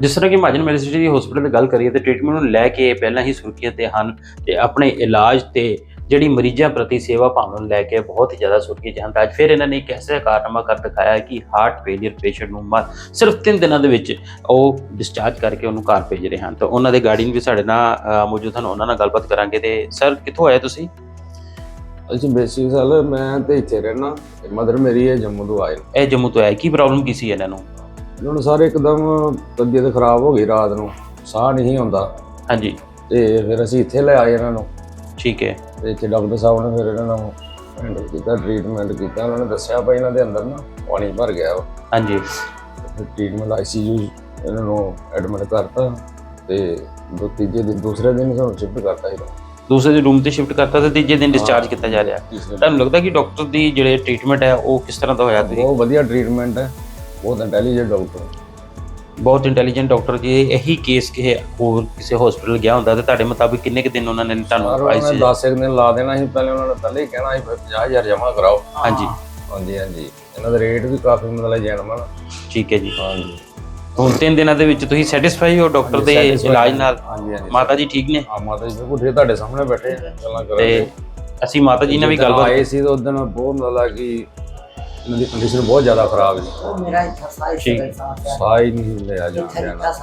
ਜਿਸ ਤਰ੍ਹਾਂ ਕਿ ਮਹਾਜਨ ਮੈਡੀਸਿਟੀ ਹਸਪੀਟਲ ਦੀ ਗੱਲ ਕਰੀਏ ਤੇ ਟ੍ਰੀਟਮੈਂਟ ਨੂੰ ਲੈ ਕੇ ਪਹਿਲਾਂ ਹੀ ਸੁਰੱਖਿਅਤ ਤੇ ਹਨ ਤੇ ਆਪਣੇ ਇਲਾਜ ਤੇ ਜਿਹੜੀ ਮਰੀਜ਼ਾਂ ਪ੍ਰਤੀ ਸੇਵਾ ਭਾਵਨਾ ਨੂੰ ਲੈ ਕੇ ਬਹੁਤ ਹੀ ਜ਼ਿਆਦਾ ਸੁਰੱਖਿਅਤ ਹਨ। ਅੱਜ ਫਿਰ ਇਹਨਾਂ ਨੇ ਇੱਕ ਐਸਾ ਕਾਰਨਾਮਾ ਕਰ ਦਿਖਾਇਆ ਕਿ ਹਾਰਟ ਫੇਲੀਅਰ ਪੇਸ਼ੈਂਟ ਨੂੰ ਸਿਰਫ 3 ਦਿਨਾਂ ਦੇ ਵਿੱਚ ਉਹ ਡਿਸਚਾਰਜ ਕਰਕੇ ਉਹਨੂੰ ਘਰ ਭੇਜ ਰਹੇ ਹਨ। ਤਾਂ ਉਹਨਾਂ ਦੇ ਗਾਰਡੀਅਨ ਵੀ ਸਾਡੇ ਨਾਲ ਮੌਜੂਦ ਹਨ, ਉਹਨਾਂ ਨਾਲ ਗੱਲਬਾਤ ਕਰਾਂਗੇ। ਤੇ ਸਰ ਕਿੱਥੋਂ ਆਏ ਤੁਸੀਂ? ਅਸੀਂ ਬੇਸਿਕ ਸਾਲ ਮੈਂ ਤੇ ਇੱਥੇ ਰਹਿਣਾ, ਮਦਰ ਮੇਰੀ ਹੈ ਜੰਮੂ ਤੋਂ ਆਏ। ਇਹ ਜੰਮੂ ਤੋਂ ਆਏ, ਕੀ ਪ੍ਰੋਬਲਮ ਕੀ ਸੀ ਇਹਨਾਂ ਨੂੰ? ਇਹਨਾਂ ਨੂੰ ਸਾਰੇ ਇੱਕਦਮ ਤਬੀਅਤ ਖਰਾਬ ਹੋ ਗਈ, ਰਾਤ ਨੂੰ ਸਾਹ ਨਹੀਂ ਆਉਂਦਾ। ਹਾਂਜੀ। ਤੇ ਫਿਰ ਅਸੀਂ ਇੱਥੇ ਲੈ ਆਏ ਇਹਨਾਂ ਨੂੰ। ਠੀਕ ਹੈ। ਤੇ ਇੱਥੇ ਡਾਕਟਰ ਸਾਹਿਬ ਨੇ ਫਿਰ ਇਹਨਾਂ ਨੂੰ ਹੈਂਡਲ ਕੀਤਾ, ਟ੍ਰੀਟਮੈਂਟ ਕੀਤਾ। ਉਹਨਾਂ ਨੇ ਦੱਸਿਆ ਭਾਈ ਇਹਨਾਂ ਦੇ ਅੰਦਰ ਨਾ ਪਾਣੀ ਭਰ ਗਿਆ ਵਾ। ਹਾਂਜੀ। ਫਿਰ ਟ੍ਰੀਟਮੈਂਟ ICU ਇਹਨਾਂ ਨੂੰ ਐਡਮਿਟ ਕਰਤਾ ਤੇ ਦੂਸਰੇ ਦਿਨ ਸਾਨੂੰ ਸ਼ਿਫਟ ਕਰਤਾ ਸੀ। ਦੂਸਰੇ ਰੂਮ ਤੇ ਸ਼ਿਫਟ ਕਰਤਾ ਤੇ ਤੀਜੇ ਦਿਨ ਡਿਸਚਾਰਜ ਕੀਤਾ ਜਾ ਰਿਹਾ। ਤੁਹਾਨੂੰ ਲੱਗਦਾ ਕਿ ਡਾਕਟਰ ਦੀ ਜਿਹੜੇ ਟ੍ਰੀਟਮੈਂਟ ਹੈ ਉਹ ਕਿਸ ਤਰ੍ਹਾਂ ਦਾ ਹੋਇਆ? ਤੁਸੀਂ ਬਹੁਤ ਵਧੀਆ ਟ੍ਰੀਟਮੈਂਟ ਹੈ, ਬਹੁਤ ਇੰਟੈਲੀਜੈਂਟ ਡਾਕਟਰ, ਬਹੁਤ ਇੰਟੈਲੀਜੈਂਟ ਡਾਕਟਰ ਜੀ। ਇਹੀ ਕੇਸ ਕਿਸੇ ਹੋਰ ਕਿਸੇ ਹਸਪੀਟਲ ਗਿਆ ਹੁੰਦਾ ਤੇ ਤੁਹਾਡੇ ਮੁਤਾਬਿਕ ਕਿੰਨੇ ਕੁ ਦਿਨ ਉਹਨਾਂ ਨੇ ਤੁਹਾਨੂੰ 10 ਦਿਨ ਲਾ ਦੇਣਾ ਸੀ। ਪਹਿਲੇ ਉਹਨਾਂ ਨੇ ਪਹਿਲੇ ਹੀ ਕਹਿਣਾ ਸੀ 50,000 ਜਮ੍ਹਾਂ ਕਰਾਓ। ਹਾਂਜੀ ਹਾਂਜੀ ਹਾਂਜੀ। ਇਹਨਾਂ ਦਾ ਰੇਟ ਵੀ ਕਾਫੀ ਮਤਲਬ ਜੈਨੂਅਨ। ਠੀਕ ਹੈ ਜੀ। ਹਾਂਜੀ। ਹੁਣ 3 ਦਿਨਾਂ ਦੇ ਵਿੱਚ ਤੁਸੀਂ ਸੈਟੀਸਫਾਈ ਹੋ ਡਾਕਟਰ ਦੇ ਇਲਾਜ ਨਾਲ? ਹਾਂਜੀ ਹਾਂਜੀ। ਮਾਤਾ ਜੀ ਠੀਕ ਨੇ? ਹਾਂ ਮਾਤਾ ਜੀ ਬਿਲਕੁਲ ਠੀਕ, ਤੁਹਾਡੇ ਸਾਹਮਣੇ ਬੈਠੇ ਗੱਲਾਂ ਕਰ ਰਹੇ। ਤੇ ਅਸੀਂ ਮਾਤਾ ਜੀ ਨਾਲ ਵੀ ਗੱਲਬਾਤ ਆਏ ਸੀ ਤਾਂ ਉਦੋਂ ਬਹੁਤ ਮਤਲਬ ਕਿ ਇਹਨਾਂ ਦੀ ਕੰਡੀਸ਼ਨ ਬਹੁਤ ਜ਼ਿਆਦਾ ਖਰਾਬ ਸੀ। ਮੇਰਾ ਇੱਥਾ ਸਾਹ ਸਾਹ ਹੀ ਨਹੀਂ ਲਿਆ ਜਾਂਦਾ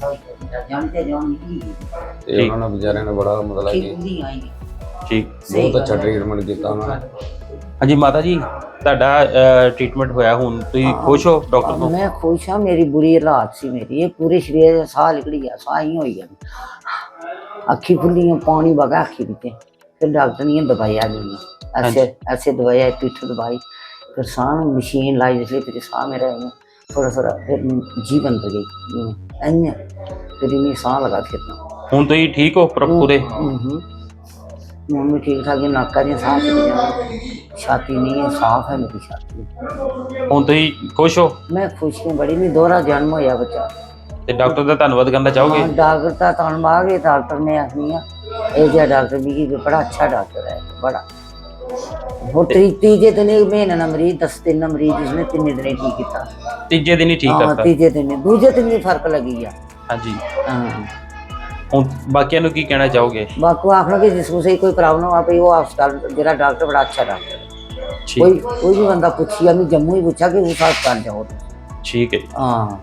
ਤੇ ਉਹਨਾਂ ਨੇ ਵਿਚਾਰਿਆਂ ਨੇ ਬੜਾ ਮਤਲਬ ਕਿ ਠੀਕ ਬਹੁਤ ਅੱਛਾ ਟ੍ਰੀਟਮੈਂਟ ਕੀਤਾ ਉਹਨਾਂ ਨੇ। ਹਾਂਜੀ ਮਾਤਾ ਜੀ, ਤੁਹਾਡਾ ਟ੍ਰੀਟਮੈਂਟ ਹੋਇਆ, ਹੁਣ ਤੁਸੀਂ ਖੁਸ਼ ਹੋ ਡਾਕਟਰ ਤੋਂ? मैं खुश हाँ। मेरी बुरी हालात सी मेरी, ये पूरे शरीर से साह निकली गया, साह ही हो गया, अखी खुली पानी बगा अखी बीते। फिर डॉक्टर ने दवाइयाँ दी, ऐसे ऐसे दवाइयाँ पीठ दवाई, फिर साह मशीन लाई जिसलिए फिर साह मेरा थोड़ा थोड़ा फिर जीवन पर गई, फिर इन्हें साह लगा फिरना। ਹੁਣ ਤੁਸੀਂ ਠੀਕ ਹੋ ਪੂਰੇ? मम्मी ठीक ठाक है, नाका जी साफ छाती नहीं है, साफ है मेरी छाती। ਹੁਣ ਤੁਸੀਂ ਖੁਸ਼ ਹੋ? मैं खुश हूँ बड़ी, मैं दोहरा जन्म होया बच्चा। ਤੇ ਡਾਕਟਰ ਦਾ ਧੰਨਵਾਦ ਕਰਨਾ ਚਾਹੋਗੇ? हाँ, डॉक्टर का धन्यवाद है। डॉक्टर ने आखनी है डॉक्टर भी बड़ा अच्छा डॉक्टर है, बड़ा। वो तीजे दिन एक महीने ना मरीज, 10 दिन ना मरीज, जिसने 3 दिन ठीक किया। ਤੀਜੇ ਦਿਨ ਹੀ ਠੀਕ ਕਰਤਾ? तीजे दिन, दूजे दिन भी फर्क लगी है। ਹਾਂਜੀ। हाँ, ਹੁਣ ਬਾਕੀਆਂ ਨੂੰ ਕੀ ਕਹਿਣਾ ਚਾਹੋਗੇ? बाकी आखना कि जिसको से कोई प्रॉब्लम आ पई, वो अस्पताल जरा डॉक्टर बड़ा अच्छा डॉक्टर है। कोई भी बंदा पूछिया, मैं जम्मू ही पूछा कि उस अस्पताल जाओ। ठीक है। हाँ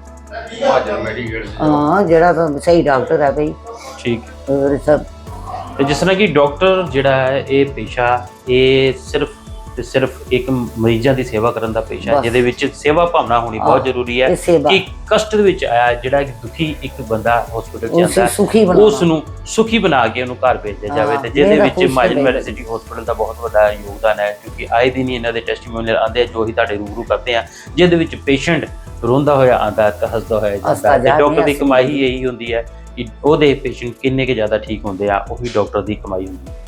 हाँ, जरा तो सही डॉक्टर है भाई। ठीक। और सब ਤੇ ਜਿਸ ਤਰ੍ਹਾਂ ਕਿ ਡਾਕਟਰ ਜਿਹੜਾ ਹੈ ਇਹ ਪੇਸ਼ਾ ਇਹ ਸਿਰਫ ਤੇ ਸਿਰਫ ਇੱਕ ਮਰੀਜ਼ਾਂ ਦੀ ਸੇਵਾ ਕਰਨ ਦਾ ਪੇਸ਼ਾ ਹੈ, ਜਿਹਦੇ ਵਿੱਚ ਸੇਵਾ ਭਾਵਨਾ ਹੋਣੀ ਬਹੁਤ ਜ਼ਰੂਰੀ ਹੈ ਕਿ ਕਸ਼ਟ ਦੇ ਵਿੱਚ ਆਇਆ ਜਿਹੜਾ ਕਿ ਦੁਖੀ ਇੱਕ ਬੰਦਾ ਹਸਪੀਟਲ ਚ ਆਉਂਦਾ ਉਸ ਨੂੰ ਸੁਖੀ ਬਣਾ ਕੇ ਉਹਨੂੰ ਘਰ ਭੇਜਿਆ ਜਾਵੇ। ਤੇ ਜਿਹਦੇ ਵਿੱਚ ਮਹਾਜਨ ਮੈਡੀਸਿਟੀ ਹਸਪੀਟਲ ਦਾ ਬਹੁਤ ਵੱਡਾ ਯੋਗਦਾਨ ਹੈ, ਕਿਉਂਕਿ ਆਏ ਦਿਨ ਹੀ ਇਹਨਾਂ ਦੇ ਟੈਸਟੀਮੋਨੀਅਲ ਆਉਂਦੇ ਜੋ ਹੀ ਤੁਹਾਡੇ ਰੂਬਰੂ ਕਰਦੇ ਆ, ਜਿਹਦੇ ਵਿੱਚ ਪੇਸ਼ੈਂਟ ਰੋਂਦਾ ਹੋਇਆ ਆਉਂਦਾ ਤੇ ਹੱਸਦਾ ਹੋਇਆ ਜਾਂਦਾ। ਤੇ ਡਾਕਟਰ ਦੀ ਕਮਾਈ ਇਹੀ ਹੁੰਦੀ ਹੈ ਕਿ ਉਹਦੇ ਪੇਸ਼ੈਂਟ ਕਿੰਨੇ ਕੁ ਜ਼ਿਆਦਾ ਠੀਕ ਹੁੰਦੇ ਆ, ਉਹੀ ਡਾਕਟਰ ਦੀ ਕਮਾਈ ਹੁੰਦੀ ਹੈ।